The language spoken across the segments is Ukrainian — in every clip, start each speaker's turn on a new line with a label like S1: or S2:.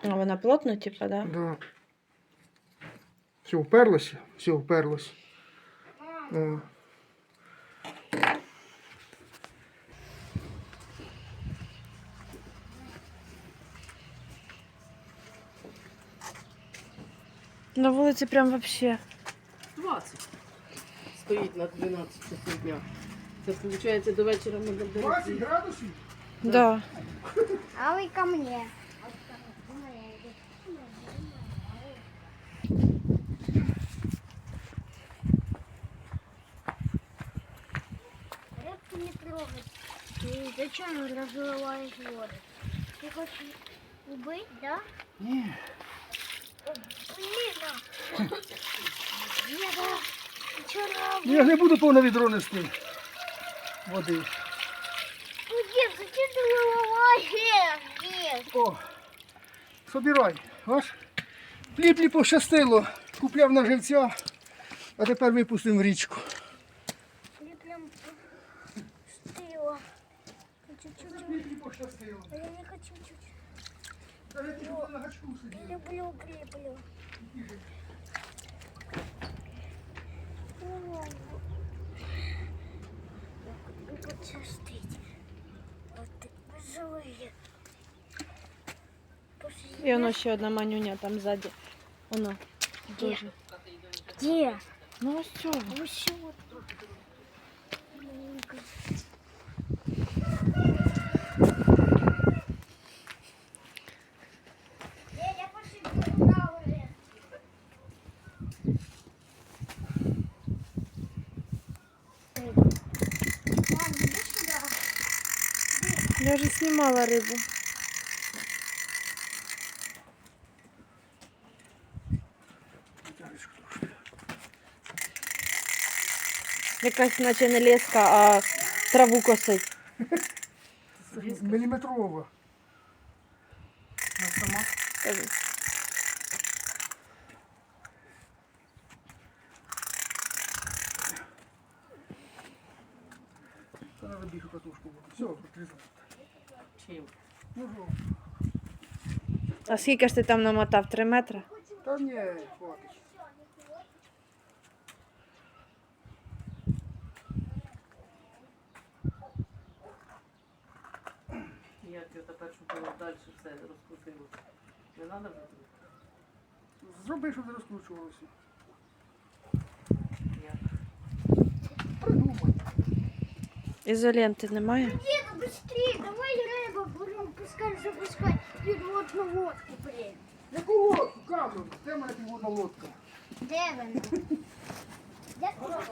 S1: А вона плотно, типа, да?
S2: Да. Все, вперлося? Все, вперлося. О.
S1: На вулиці прям вообще.
S3: 20 стоїть на 12 часов дня. Це виходить до вечора ми
S2: 20 градусів?
S1: Да.
S4: А вы ко мне. Рыбку не трогать. Ты зачем разливаешь воду? Ты хочешь убыть, да?
S2: Ні.
S4: Блин, Деда, вчера...
S2: Я не буду повне відро нести води.
S4: Ну, дед, зачем ты выливаешь? Дед.
S2: О, собирай. Ось. Пліплі пощастило. Купляв на живця, а тепер випустимо в річку.
S4: Мне прям стыло. Чуть-чуть.
S2: Пліплі пощастило.
S4: А я не хочу чуть-чуть.
S2: Навіть ті, хто на гачку сидів.
S4: Люблю, креплю. Почастить. Вот ты живые.
S1: І воно ще одна манюня там ззаді. Воно дуже.
S4: Где?
S1: Ну ось цього.
S4: Еще вот тут. Маленькая. Я пошибу туда уже. Мам, иди сюда.
S1: Я вже знімала рибу. Якась наче не леска, а траву косить.
S2: Міліметрова. Вона сама. Та треба більшу катушку буде. Все, відрізав.
S3: Чим?
S2: Ну, жо.
S1: А скільки ж ти там намотав? 3 метри?
S2: Та ні, хватить.
S3: Як його тепер, щоб воно далі все розкрутилося. Не треба вже тут?
S2: Зроби, щоб не розкручувалося.
S3: Як?
S2: Придумай.
S1: Ізоленти немає?
S4: Деда, быстрее, давай рыбу будем пускай запускать подводную лодку, блин.
S2: Яку лодку, камеру? Де моя підводна лодка?
S4: Де вона? Де вона?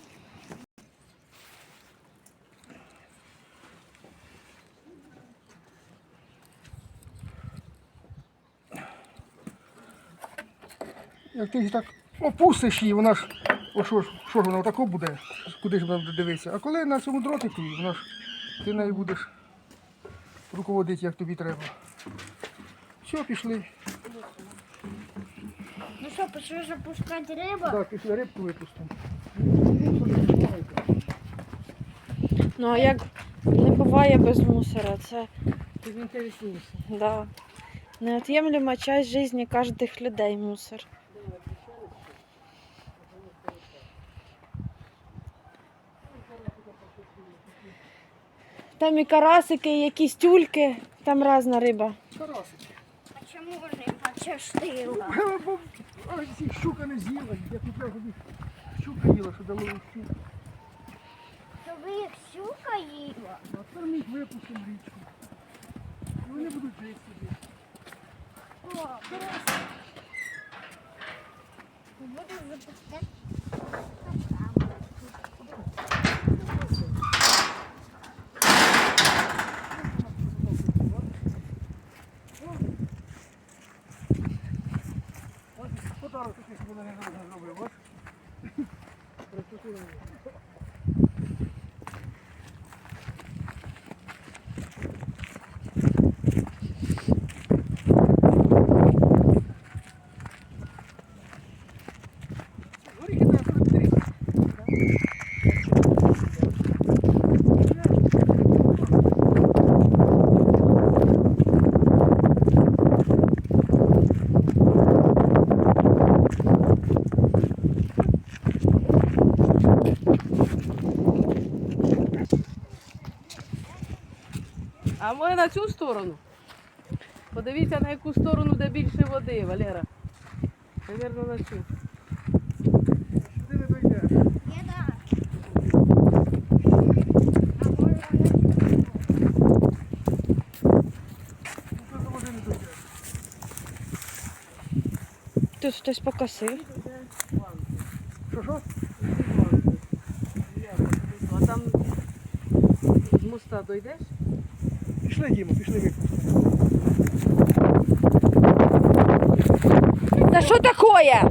S2: Як ти так опустиш її, вона ж, о що ж вона отако буде, куди ж вона буде дивитися. А коли на цьому дротику, вона ж, ти нею будеш руководити, як тобі треба. Все, пішли.
S4: Ну що, пішли запускати рибу?
S2: Так, пішли рибку випустимо.
S1: Ну а як не буває без мусора, це
S3: Ти інтересніше.
S1: да, неотъемлема часть жизни каждых людей мусор. Там і карасики, і якісь тюльки, там різна риба.
S2: Карасик.
S4: А чому риба частила?
S2: Бо ці щука не з'їла, я купляв собі щука їла, що дало щуку.
S4: То ви їх щука їла?
S2: А тепер ми їх випустимо в річку. І вони будуть жити собі.
S4: О, карасик. Буду запускати.
S2: Ось подарок такий, щоб вона не зробила, бачиш? Розпустила. Горіхи на 43.
S3: А може на цю сторону? Подивіться, на яку сторону, де більше води, Валера. Навірно, на цю.
S2: Сюди не дойдеш.
S4: Я да. А може
S2: Тут до води не дойдеш.
S1: Тут хтось покосив.
S2: Що?
S3: А там з моста дойдеш?
S2: Пішли, Дімо, пішли випустимо.
S1: Та що таке?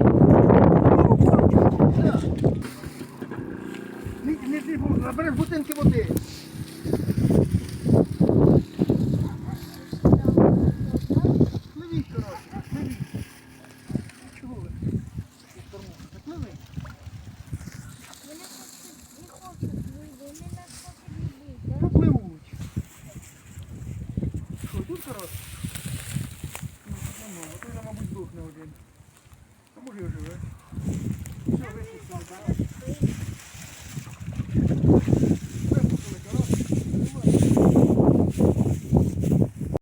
S2: Набереш бутинки води. Пливіть, коротше, пливіть. Чого ви? Пливи.
S4: вони не хочуть вийти, вони не хочуть вийти.
S2: Ну, пливуть. Що, тут, коротше? Ну, тут нема, а той, мабуть, здохне один. А може і оживе. Все, випустили, так?